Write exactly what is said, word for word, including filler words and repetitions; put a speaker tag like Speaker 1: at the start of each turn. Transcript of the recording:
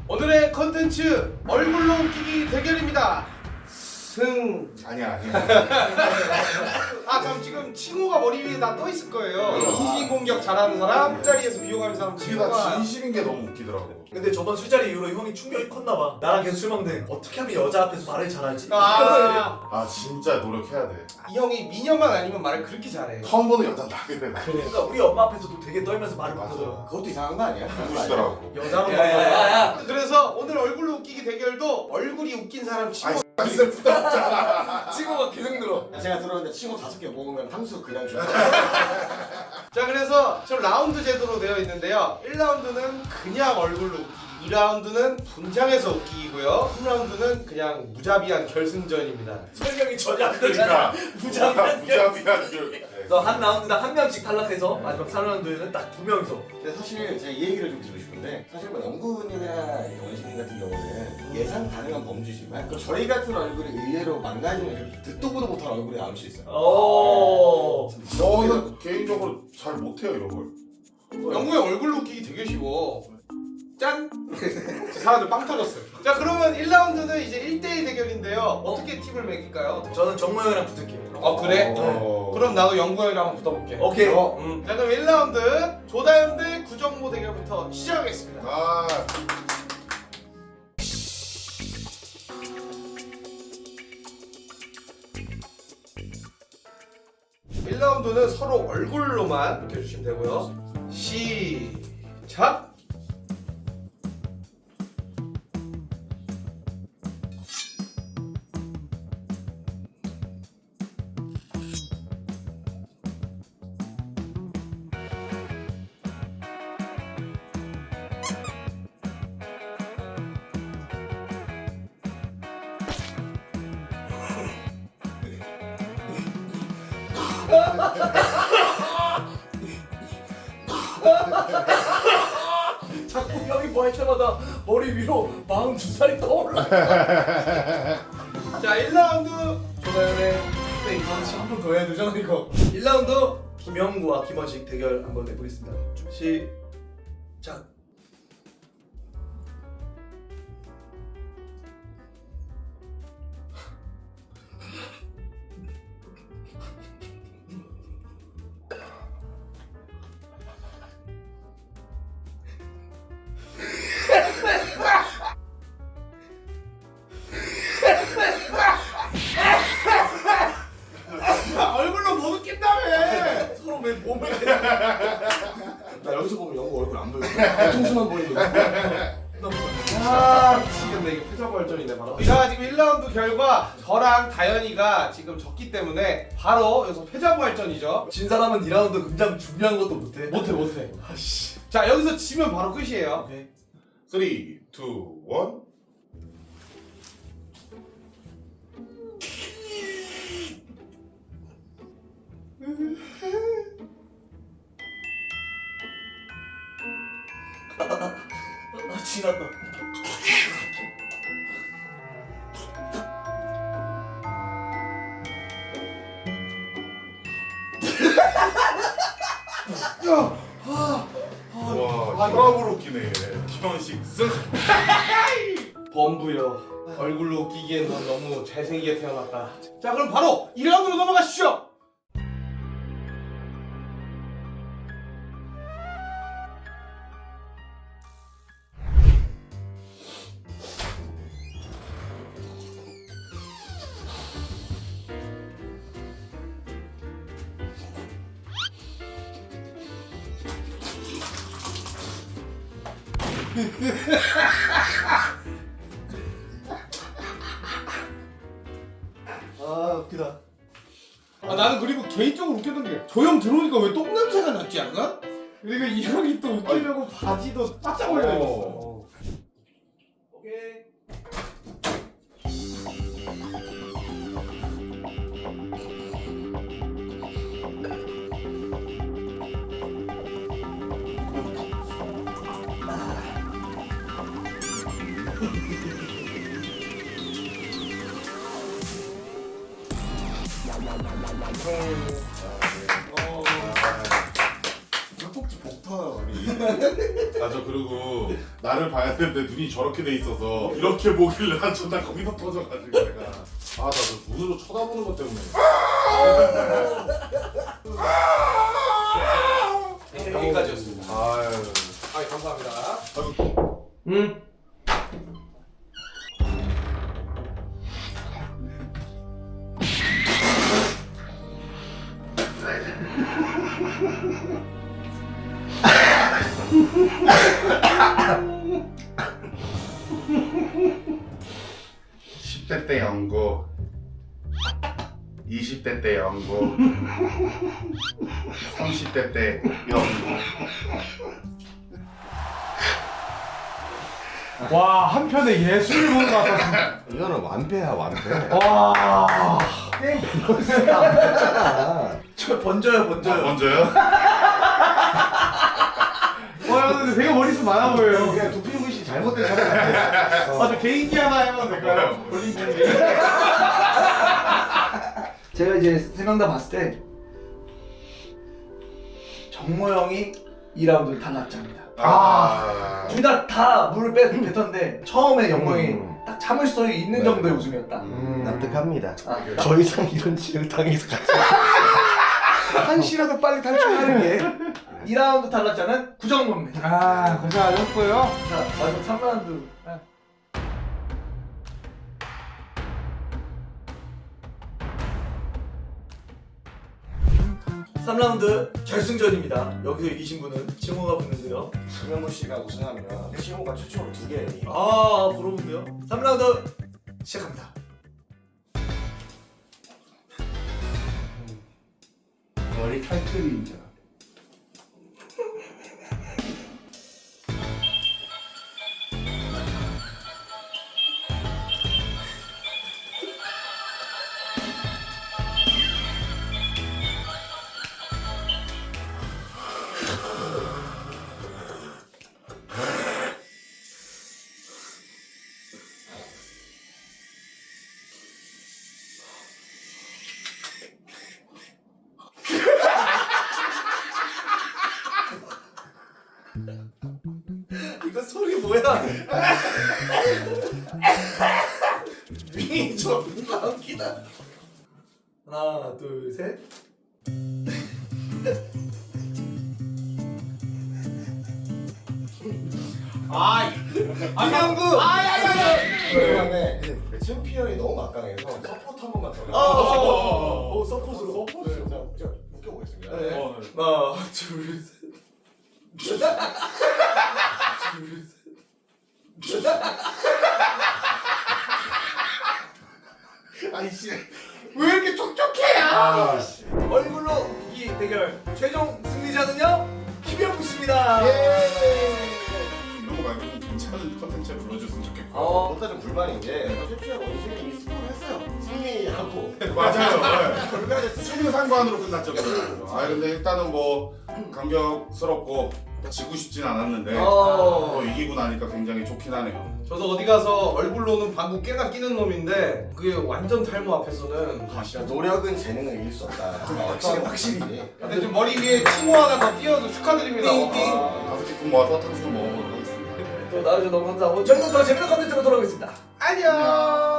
Speaker 1: 오늘의 컨텐츠 얼굴로 웃기기 대결입니다. 승.
Speaker 2: 아니야 아니야.
Speaker 1: 아 그럼 지금 칭호가 머리 위에 다 떠 있을 거예요. 인신공격 잘하는 사람, 술자리에서 비호감인 사람
Speaker 2: 이게 나
Speaker 1: 칭호가.
Speaker 2: 진심인 게 너무 웃기더라고.
Speaker 3: 근데 저번 술자리 이후로 형이 충격이 컸나봐. 나랑 계속 술 먹는데 어떻게 하면 여자 앞에서 말을 잘하지?
Speaker 1: 아,
Speaker 2: 아 진짜 노력해야 돼.
Speaker 1: 이 형이 미녀만 아니면 말을 그렇게 잘해.
Speaker 2: 처음 보는 여자 나 그래 나.
Speaker 3: 그러니까 우리 엄마 앞에서도 되게 떨면서 말을
Speaker 2: 맞아.
Speaker 3: 못하더라고.
Speaker 4: 그것도 이상한 거 아니야?
Speaker 2: 웃기더라고.
Speaker 1: 여자로
Speaker 3: 야야야야.
Speaker 1: 그래서 오늘 얼굴로 웃기기 대결도 얼굴이 웃긴 사람 칭호.
Speaker 2: 아이 슬프다 없잖아.
Speaker 3: 친구가 계속 늘어.
Speaker 4: 제가 들었는데 친구 다섯 개 먹으면 탕수 그냥 줘.
Speaker 1: 자 그래서 지금 라운드 제도로 되어 있는데요. 일 라운드는 그냥 얼굴로 웃기기, 이 라운드는 분장해서 웃기기고요, 삼 라운드는 그냥 무자비한 결승전입니다.
Speaker 3: 설명이 전혀 안 되잖아.
Speaker 2: 그러니까
Speaker 3: 부장한.
Speaker 2: 무자비한 줄.
Speaker 3: 그래서 한 라운드당 한 명씩 탈락해서 마지막 삼 라운드에는 딱 두 명이서.
Speaker 4: 근데 사실 제가 이 얘기를 좀 드리고 싶은데 사실 뭐 영군이나 원시민 같은 경우는 예상 가능한 범죄지만 또 저희 같은 얼굴이 의외로 망가지면 듣도 보도 못한 얼굴이 나올 수 있어요.
Speaker 3: 오.
Speaker 2: 저는 개인적으로 잘 못해요 이런 걸.
Speaker 1: 영구의 얼굴로 웃기기 되게 쉬워. 짠! 사람들 빵 터졌어요. 자 그러면 일 라운드는 이제 일 대일 대결인데요. 어떻게 팀을 매길까요?
Speaker 3: 저는 정모 형이랑 붙을게요.
Speaker 1: 어 그래?
Speaker 2: 어.
Speaker 1: 그럼 나도 영구 형이랑 한번 붙어볼게.
Speaker 3: 오케이.
Speaker 4: 어.
Speaker 1: 음. 자 그럼 일 라운드 조다현 대 구정모 대결부터 시작하겠습니다.
Speaker 2: 아
Speaker 1: 일 라운드는 서로 얼굴로만 웃겨주시면 되고요. 시작!
Speaker 3: 자꾸 형이 뭐 할 때마다 머리 위로 마흔두 살이 떠올라.
Speaker 1: 자 일 라운드 조다현의 플레이.
Speaker 3: 한 번 더 해야 되잖아 이거. 일 라운드 김영구와 김원식 대결 한번 해보겠습니다. 시작.
Speaker 1: 아, 얼굴로 못 웃긴다며!
Speaker 3: 서로 왜 몸을
Speaker 4: 나 여기서 보면 영구 얼굴 안 보여. 뒤통수만 보이는데.
Speaker 1: 아 미치겠네. 이거 패자부활전이네 바로. 자 지금 일 라운드 결과 저랑 다현이가 지금 졌기 때문에 바로 여기서 패자부활전이죠.
Speaker 3: 진 사람은 이 라운드 굉장히 중요한 것도 못해.
Speaker 1: 못해 못해.
Speaker 3: 아씨.
Speaker 1: 자 여기서 지면 바로 끝이에요.
Speaker 3: 오케이.
Speaker 2: 삼, 이, 일.
Speaker 3: 아 지났다.
Speaker 2: 와 혈압으로 웃기네. 김원식 승.
Speaker 1: 범부여. 얼굴로 웃기기엔 넌 너무 잘생기게 태어났다. 자 그럼 바로 이 라운드로 넘어가시죠.
Speaker 3: 아 웃기다.
Speaker 1: 아 나는 그리고 개인적으로 웃겼던 게 저 형 들어오니까 왜 똥냄새가 났지 약간? 그리고 이 형이 또 웃기려고 바지도 바짝 올려 입었어.
Speaker 3: 오케이.
Speaker 4: 닭꼭지 복터 우리.
Speaker 2: 아 저 그리고 나를 봐야 되는데 눈이 저렇게 돼 있어서 이렇게 보길래 난 존나 거기서 터져가지고 내가 아 나 저 눈으로 쳐다보는 것 때문에
Speaker 1: 여기까지였습니다.
Speaker 2: 아유
Speaker 1: 아, 감사합니다.
Speaker 3: 음.
Speaker 2: 십 대 때 연구 이십 대 때 연구 삼십 대 때 연구
Speaker 5: 와 한편의 예술을 보는 것 같았습니다.
Speaker 4: 이거는 완패야 완패.
Speaker 5: 와.
Speaker 4: 게임 밸런스가 안 맞잖아.
Speaker 3: 저 번져요 번져요.
Speaker 2: 먼저요?
Speaker 5: 와 근데 되게 머릿속 많아 보여요.
Speaker 4: 그냥 도핑 씨 잘못된 사람 같아.
Speaker 5: 아 저 개인기 하나 해봐도 될까요? 볼링 개인기.
Speaker 3: 제가 이제 세 명 다 봤을 때 정모 형이 이 라운드를 다 낫자입니다.
Speaker 2: 아,
Speaker 3: 둘 다 다 물을 빼 뱉었는데 처음에 영광이
Speaker 4: 음.
Speaker 3: 딱 참을 수 있는
Speaker 4: 네.
Speaker 3: 정도의 웃음이었다.
Speaker 4: 음, 납득합니다.
Speaker 3: 아,
Speaker 4: 더 이상 이런 지를 당해서 같이 한시라도 빨리 탈출하는 게.
Speaker 3: 이 라운드 탈락자는 구정모입니다.
Speaker 5: 아 고생하셨고요.
Speaker 3: 자 마지막 삼 라운드. 삼 라운드 결승전입니다. 여기서 이기신 분은 칭호가 붙는데요.
Speaker 4: 김영무 씨가 우승하면 시호가 최초로 두 개예요.
Speaker 3: 아 부러운데요. 삼 라운드 시작합니다.
Speaker 5: 머리 탈출입니다.
Speaker 3: 이거 소리 뭐야? 윙 존나 웃기다. 하나 둘 셋.
Speaker 1: 아,
Speaker 3: 이명구.
Speaker 4: 그다음에 그 챔피언이 너무 막강해서 서포트 한 번만 더.
Speaker 3: 아, 어, 어, 서포트로.
Speaker 4: 네, 자, 자, 웃겨보겠습니다.
Speaker 3: 네.
Speaker 2: 어, 네.
Speaker 3: 하나 둘 셋. 둘 셋.
Speaker 4: 아이씨.
Speaker 1: 왜 이렇게 촉촉해?
Speaker 2: 아,
Speaker 3: 얼굴로 웃기기 대결 최종 승리자는요 김영구 씨입니다.
Speaker 2: 이런 거 말고 좀 괜찮은 컨텐츠를 불러줬으면 좋겠고
Speaker 4: 어, 보다 좀 불만인 게 최초에 원신이 이미 스포를 했어요. 승리하고.
Speaker 2: 맞아요. 네.
Speaker 4: 결과가 됐어.
Speaker 2: 승리 상관으로 끝났죠. 그거는. 아 근데 일단은 뭐 감격스럽고 지고 싶진 않았는데
Speaker 3: 어.
Speaker 2: 또 이기고 나니까 굉장히 좋긴 하네요.
Speaker 1: 저도 어디 가서 얼굴로는 방구 깨나 끼는 놈인데 그게 완전 탈모 앞에서는
Speaker 4: 아, 진짜 노력은 재능을 이길 수 없다. 확실히 확실히.
Speaker 1: 근데 좀 머리 위에 칭호 하나 더 띄워서 축하드립니다.
Speaker 3: 띵띵.
Speaker 1: 와.
Speaker 2: 다섯 개품 모아서 탕수육 먹어보도록 하겠습니다.
Speaker 3: 또 나와주셔서 너무 감사하고 저희는 더 재밌는 컨텐츠로 돌아오겠습니다.
Speaker 1: 안녕.